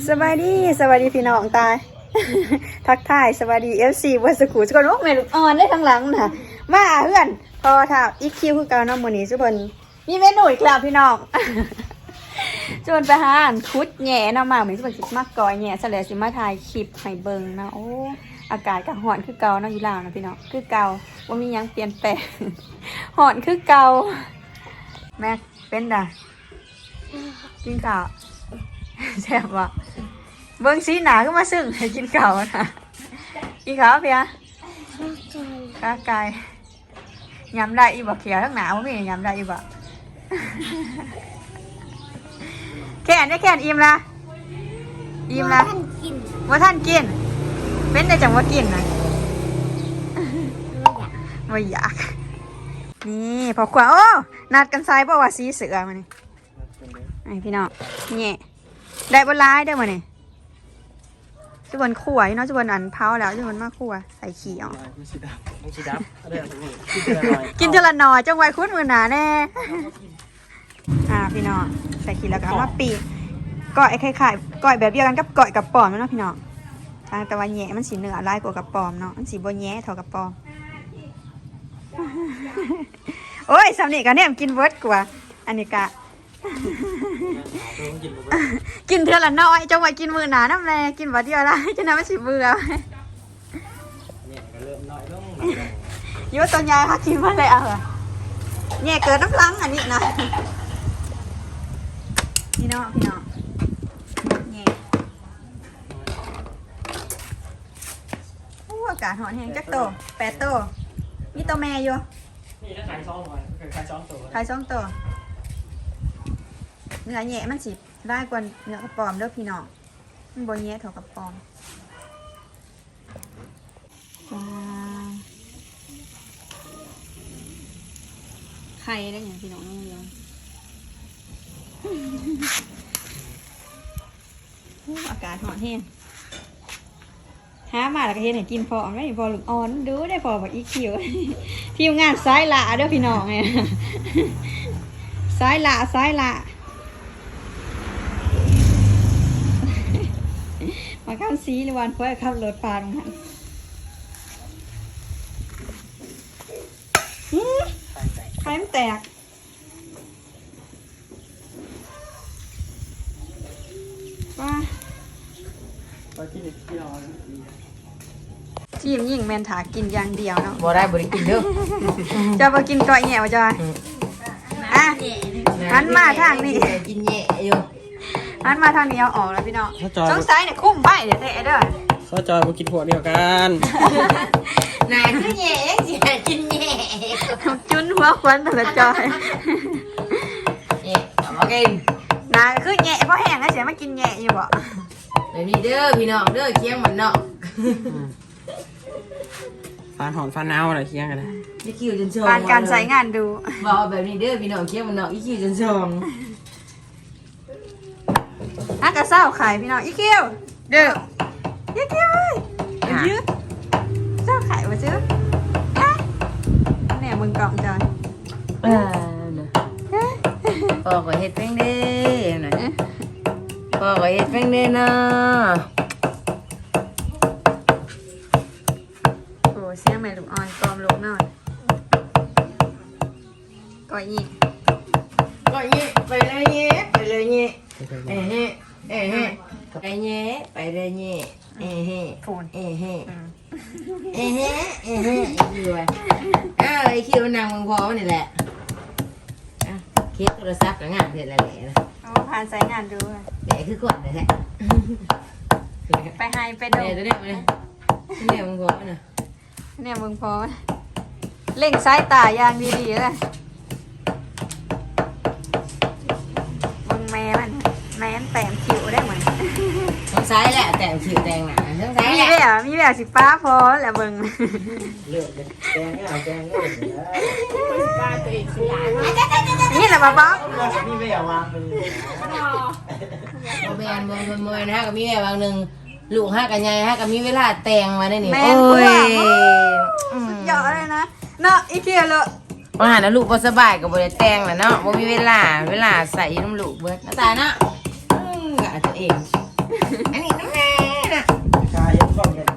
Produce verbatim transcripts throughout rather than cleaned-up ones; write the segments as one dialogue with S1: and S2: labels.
S1: สวัสดีสวัสดีพี่น้องตายทักทายสวัสดีเอฟซีวัสกูทุกคนโอ้แม่ลูกอ่อนได้ทั้งหลังนะมาเพื่อนพอท่าอีคิวคือเก่าน้องมื้อนี้ทุกคนมีเมนูอีกแล้วพี่น้องชวนไปหาอันคุดแหน่เนาะมาเหมือนสิเป็นสิมากก่อยแหน่ซะแล้วสิมาถ่ายคลิปให้เบิ่งนะโอ้อากาศก็ร้อนคือเก่าเนาะอยู่ลาวนะพี่น้องคือเก่าบ่มีหยังเปลี่ยนแปลงร้อนคือเก่าแม่เป็นด่ะกินข้าวแซ่บว่ะเบิ้งสีหนาก็มาซึ่งให้กินข้าวนะกินข้าวเพียข้าไก่ยำได้อีบ่เขียวทั้งหนาวไม่ยำได้อีบ่แค่นได้แค่นอิ่มละอิ่มละว่าท่านกินเป็นได้จังว่ากินนะไม่อยากนี่พอขวาโอ้นัดกันไซด์ป่าวว่าสีเสือมานี่ไอพี่น้องเนี่ยได้บนร้ายได้มาเนี่ยจุบนขั่วเนาะจุบนอันเผาแล้วจุบนมากขั่วใส่ขี้ออกกินเทละหน่อยจังไว้คุ้นมือหนาแน่อ่าพี่น้องใส่ขี้แล้วก็มาปีกก้อยไข่ไข่ก้อยแบบเดียวกันกับก้อยกับปอมเนาะพี่น้องทางแต่ว่าแง่มันสีเนื้อลายกว่ากับปอมเนาะมันสีบนแง่เท่ากับปอมโอ้ยสำเนียงกันเนี่ยกินเวิร์ดกว่าอันนี้กะกินเท่าละน้อยจังหวะกินมือหนาน้ำแรงกินวันเดียวละจะน้ำไม่สิเบื่อโยตัวใหญ่ค่ะกินมาเลยอ่ะเหรอแง่เกิดน้ำลังอันนี้นะพี่น้องพี่น้องแง่โอ้อากาศหอนแห้งจักโตแปดโตมีตัวแม่อยู่
S2: นี่ถ้าขายซองหน่อยขายซองตัว
S1: ขายซองตัวเนื้อแง่มันสิได้กว่าเนื้อกระป๋อมเด้อพี่น้องมันบ่แง่เท่ากับปอมไข่ได้อย่างพี่น้องน้องเลี้ยงอากาศหอนแห้งหามาแล้วก็เห็นให้กินพอไม่พอหลุดอ่อนดูได้พอแบบอีคิวทีมงานซ้ายละเด้อพี่น้องไงซ้ายละซ้ายละมาข้ามซีหรือวันเพื่อขับรถปลาตรงนั้นไข่มันแตกว้าทีมยิ่งแมนถากินอย่างเดียวเนาะ
S2: บ่ได้บ่ได้กินเด้อ
S1: จะมากินก้อยแง่วะจอยอ่ะหันมาทางนี้
S2: กินแย่อยู่
S1: หันมาทางนี้เอาออกแล้วพี่น้องสงสัยเนี่ยคุ้มใบเดี๋ยวเตะเด้อ
S2: เขาจอยมากินพวกเดียวกัน
S3: นายคือแย่สิกินแย่
S1: จุนหัวควันแต่ละจอย
S3: แย่เอามากิน
S1: นายคือแง่เพราะแห้งนะเสียมากินแง่อยู่บ่
S3: เดี๋ยวนี้เด้อพี่น้องเด้อเคียงมันเนาะ
S2: ฟันหอนฟันเอาอะไรเคียงกันนะ
S3: อีคิวจนชง
S1: การการใช้งานดู
S3: บอกแบบนี้เด้อพี่น้องเคียงมันเนาะอีคิวจนชง
S1: ฮักกะเศร้าขายพี่น้องอีคิวเด้ออีคิวเอ้ยยืดเศร้าขายมาซื้อเนี่ยมึงกล่องจอย
S3: เออพ่อก็เฮ็ดเพิ่งเด้อนะพ่อก็เฮ็ดเพิ่งเด้อเนาะ
S1: โอ้เสียงแม่ลูกอ่อนกลอมลูกหน่อยก่อยยี่
S3: ก่อยยี่ไปเลยยี่ไปเลยยี่เอ้เฮ้เอ้เฮ้ไปยี่ไปเลยยี่เอ้เฮ้เอ้เฮ้เอ้เฮ้เอ้เฮ้คิวอ่ะไอ้คิวนั่งมึงพอนี่แหละอ่ะเคสโทรศัพท์ก็งานเสร็จแล้วแหละ
S1: เอาผ่านใช้งานดู
S3: แหละคือก่อนเลยแหละ
S1: ไปให้ไปดู
S3: เนี่ยตัวเนี้ยเลยเนี่ยมึงพอน่ะ
S1: เนี่ยมึงพอเล่งสายตาอย่างดีๆเลยมึงแม่มันแม่นแต่งคิวได้เหมือน
S3: ต้องใช้แหละแต่งผิวแต่งหนาต้องใช้
S1: มีแบบมีแบบสิป้าพอแหละมึง
S2: เลือกแกงเอาแกงเลือก
S1: นี่แหละบ้าบ้า
S2: นี่ไม่เอาวางเป็น
S3: โมเมนโมเมนโมเมนฮะกับมีแม่บางหนึ่งลูกฮะกับยายฮะกับมีเวลาแต่งมาได้นี่
S1: แม่นกว่าสุดยอดเลยนะเนาะอีเทียเลย
S3: ว่าหาแล้วลูกพอสบายกับบริแต่งแหละเนาะบ่มีเวลาเวลาใส่น้ำลูกเบิดน้าตาเนาะอืมอาจจะเองอันนี้น้ำแม่น่ะ
S2: ชายยังต้องกัน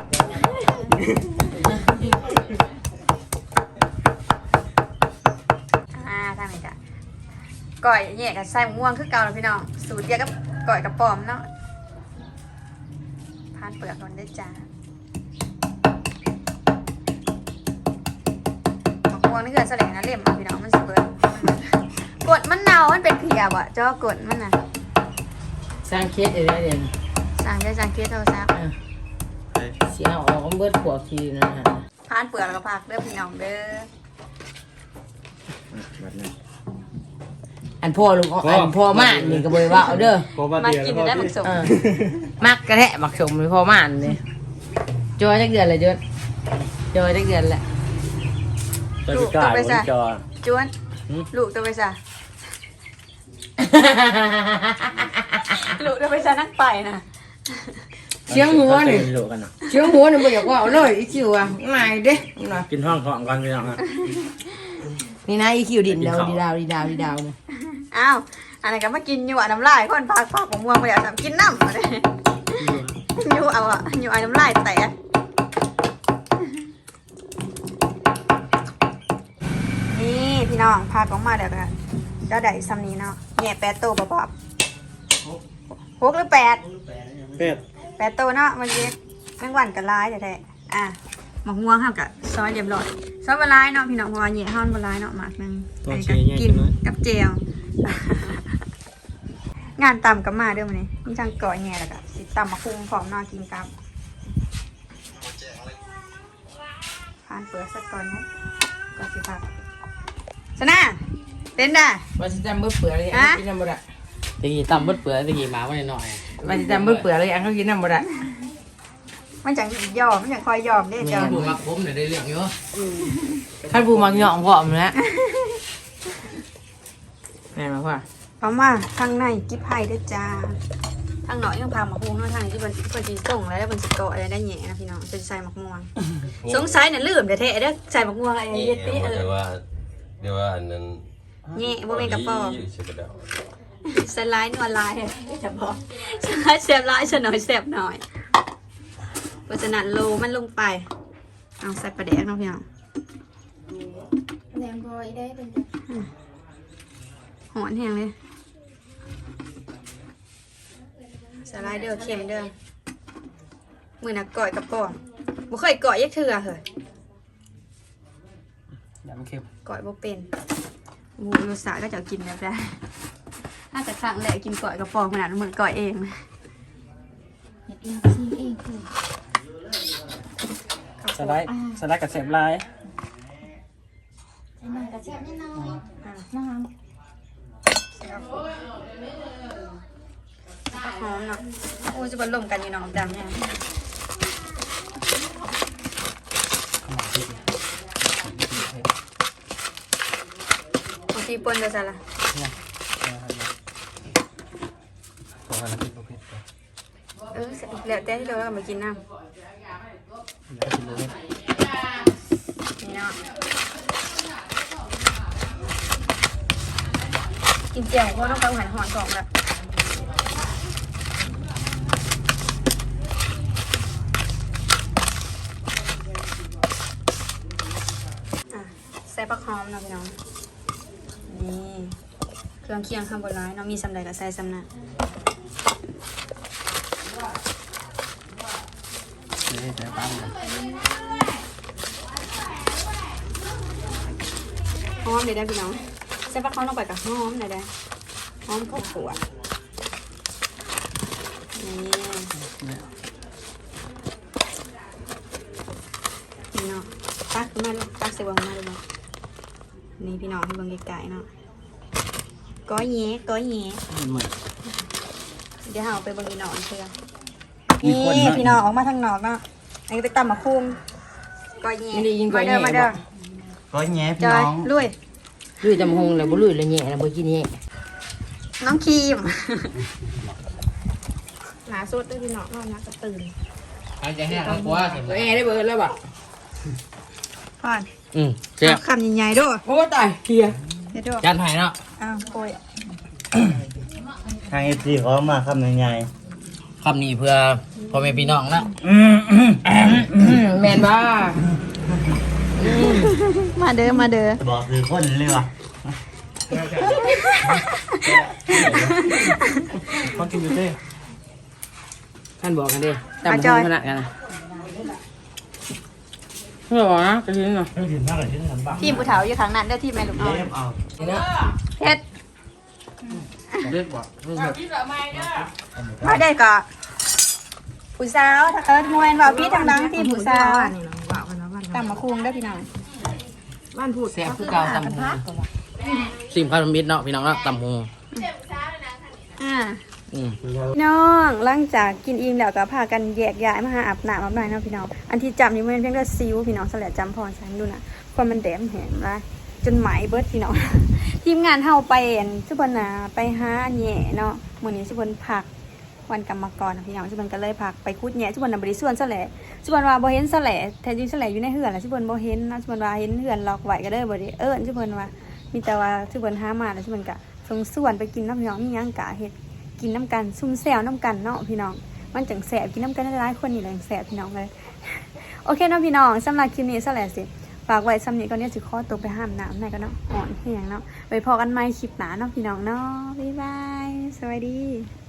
S1: อ่าทางไหนจ้ะก่อยแยกกับใส่หมม่วงคือเก่าแล้วพี่น้องสูตรเดียวกับก่อยกับปอมเนาะพานเปลือกมันได้จ้าหมกม่วงนี่เกิดแสลงนะเล่มอ่ะพี่น้องมันสิเบิดกดมันเน่ามันเป็นเพียบ่ะจ้อกดมันน่ะ
S3: สร้างเคสอะไรเด่น
S1: สั่งได้สั่งเคสโทรศัพท์
S3: เสียออกเบิดขวบทีนะฮะ
S1: พานเปลือกแล้วก็พักเด้อพี่น้องเด้อ
S3: อันพ่อลุงอันพ่อม่านนี่ก็บริว่าเอาเด้อ
S1: มากินได้หมึกสม
S3: เออมักกระแทะมักสมเลยพ่อม่านนี่จอยจักเดือนเลยจอยจอยจักเดือนแหละ
S2: ตัวจะกลายเป็นจอ
S1: จวนลูกตัวไปซะลูกตัวไปซะนักไปนะ
S3: เชียงหัวนี่
S2: โลกันเนาะ
S3: เชียงหัวนี่บ่อยากว่าเอาเลยอีคิวอ่ะง่ายเด้นะ
S2: กินห้องของกันพี่น้อง
S3: นี่นะอีคิวดินดาวดีดาวดีดาวดีดาวเนี่ย
S1: อ้าวอันไหนก็มากินอยู่อ่ะน้ำลายคนพักพักผมม่วงไปแล้วกินน้ำมาเลยอยู่เอาอ่ะอยู่ไอ้น้ำลายแตกนี่พี่น้องพากออกมาเดี๋ยวกันก็ได้ซ้ำนี้เนาะแง่แปดโตวป๊อบหกหรือแปด
S2: เป็ด
S1: แปดโตวเนาะมันเย็ดแมงวันกับลายแท้ๆอ่ะหมกม่วงห้ามกับซอยเรียบร้อยซอยบะลายเนาะพี่น้องเพราะว่าเหย่ห้อนบะลายเนาะหมากหนึงอันนี้ก็กินกับเจล งานตำกับมาเด้อมันนี่มีทางก่อแง่แล้วก็สิตำมะคุงพร้อมเนอกินกับผ่านเปลือกสักก่อนนะก่อนสิพักชนะเต้นได้
S3: ว่าสิจำเบิดเปลือกเลยอันกินน้ำบ่ได้
S2: ตะกี้ตำบึดเปลือยตะกี้มาไว้หน่อย
S3: ว่าสิจำเบิดเปลือกเลยอันเขากินน้ำบ่ได้
S1: มันจังยอมมันจังคอยยอมได้เจ้า
S2: ผู้มักผมเนี่ยได้เรื่องเยอะ
S3: ท่านผู้มักเหยาะพร้อมแล้วแม่มาพ่อ
S1: เพราะว่าทางในกิ๊บไผ่ด้วยจ้าทางหน่อยยังพามาคุงเนาะทางที่มันมันจีส่งแล้วมันสิเกาะอะไรได้แหน่นะพี่น้องเป็นใส่หมกม่วงสงสัยเนี่ยลืมแต่แท้เด้อใส่หมกม่วงอะไรเย็ดตี้เออ
S4: เดี๋ยวว่าเดี๋ยวว่าอันนั้น
S1: แง่บ่เป็นกระป๋อ
S4: ใช่กระเดา
S1: สไลด์นวลลายจะบอกสไลด์เสียบลายฉันหน่อยเสียบหน่อยเพราะฉะนั้นโลมันลงไปเอาใส่ปลาแดกเนาะพี่น้อง
S5: แหนมบอยได้เป็น
S1: หอนแห้งเลยสไลด์เด้อเค็มเด้อมือน่ะก่อยกระป๋องบ่เคยก่อยยักเถื่อเหรอ
S2: อย่ามันเค็ม
S1: ก่อยบ่เป็นหมูรสชาติก็จะกินแบบได้น่าจะครั้งแรกกินก่อยกระป๋องขนาดเหมือนก่อยเองนะ
S5: เห็ดเองซีเองคือ
S2: สไลด์สไลด์กับเสพลาย
S5: ใส่หน่อยกระเทียมนิดหน่อยน้
S1: หอมเนาะโอ้ยจะบรรลมกันอยู่เนาะดำเนี่ยบางทีปนจะใส่ละเออแล้วแต่ที่เราเอามากินน้ำนี่เนาะกินเจียวเพราะต้องไปหันหอนสองแล้วใส่ผักหอมเนาะพี่น้องนี่เครื่องเคียงข้างบนร้ายเนาะมีสำใดกับใส่สำนักหอมเดี๋ยวได้พี่น้องใส่ผักหอมลงไปกับหอมเดี๋ยวได้หอมข้าวขั่วนี่นี่เนาะตักขึ้นมาลูกตักใส่วางมาดูเนาะนี่พี่น้องให้เบิ่งไกลๆเนาะก้อยแย้ก้อยแย้เดี๋ยวเอาไปเบิ่งพี่น้องเพื่อนี่พี่น้องออกมาทางนอกเนาะอันนี้ไปตำมะคุงก้อยแย้
S3: ไม่ได้ยินก้อย
S1: มาเด้อ
S3: แย้
S1: มาเด้อ
S2: ก็แง่พี่
S1: จอ
S2: น้
S1: ย
S2: อง
S1: ลุย
S3: ลุยจำหงเลยบ่ลุยเลยแง่แล้วบ่กินแง่
S1: น้องครีมหนาสุดด้วยพี่น้องนอนนักจะตื่น
S2: อาจจะแห้งทั้งตัวเห็นไหม
S3: แง่ได้เบิดแล้วบ่
S1: พ่อน
S2: อืมเจ็บ
S1: เอาคำใหญ่ๆด้วย
S3: โอ้ตายเฮีย
S1: เดี๋ยวด้วย
S2: ยันไห้เนาะ
S1: อ้าวโอย
S6: ทางเอฟซีเขามาคำยังไง
S2: คำนี้เพื่อพ่อแม่พี่น้องนะ
S3: แมนบ้า
S1: มาเด้อมาเด้อ
S2: บอกคือคนเลยวะเขากินอยู่เต้ท่านบอกกันดิจำเป็นขนาดกันนะไม่บอกนะจะทิ้งเหรอ
S1: ทีมผู้เฒ่าอยู่ทางนั้นเด้อทีมแม่ลูกอ่อน
S2: เอา
S1: เฮ็ด
S2: เรียกบอก
S1: มาได้ก็ผู้สาวถ้าเอิ้นมวยว่าพี่ทางดังทีมผู้สาวตำมะคุงเด้อพี่น้อง
S3: บ้านพูด
S2: แซ่บคือเก่าตำหูซิมข้าวมิตรเนาะพี่น้องเนาะตำหู
S1: อ่า
S2: อืม
S1: น้องหลังจากกินอิ่มแล้วก็พากันแยกย้ายมาหาอาบน้ำอาบน้ำเนาะพี่น้องอันที่จำนี่มันเพียงแต่ซิวพี่น้องสลัดจำพรฉันดูนะความมันแดมแหมละจนไหมเบิดพี่น้อง ทีมงานเฮาไปเอ็นสุพรรณาไปหาแหน่เนาะมื้อนี้สุพรรณพักวันกรรมกรนะพี่น้องสุพรรณก็เลยพักไปคุดแหน่สุพรรณน่ะบ่ได้ส่วนซะแหละสุพรรณว่าบ่เห็นซะแหละแท้จริงซะแหละอยู่ในเฮือนล่ะสุพรรณบ่เห็นนะสุพรรณว่าเห็นเฮือนล็อกไว้ก็เลยบ่ได้เอิ้นสุพรรณว่ามีแต่ว่าสุพรรณหามาแล้วสุพรรณก็ส่งส่วนไปกินน้ำพี่น้องมีหยังกะเฮ็ด กินน้ำกันซุ่มแซวน้ำกันเนาะพี่น้องมันจังแสบกินน้ำกันหลายๆคนนี่แหละจังแสบพี่น้องเลย โอเคเนาะพี่น้องสำหรับคลิปนี้ซะแหละสิฝากไว้สำนี้ก่อนเนี่ยสิขอตัวไปห้ามน้ำหน่อยก็เนาะอ่อนแห้งเนาะไปพอกันใหม่คลิปหน้าเนาะพี่น้องเนาะบ๊ายบายสวัสดี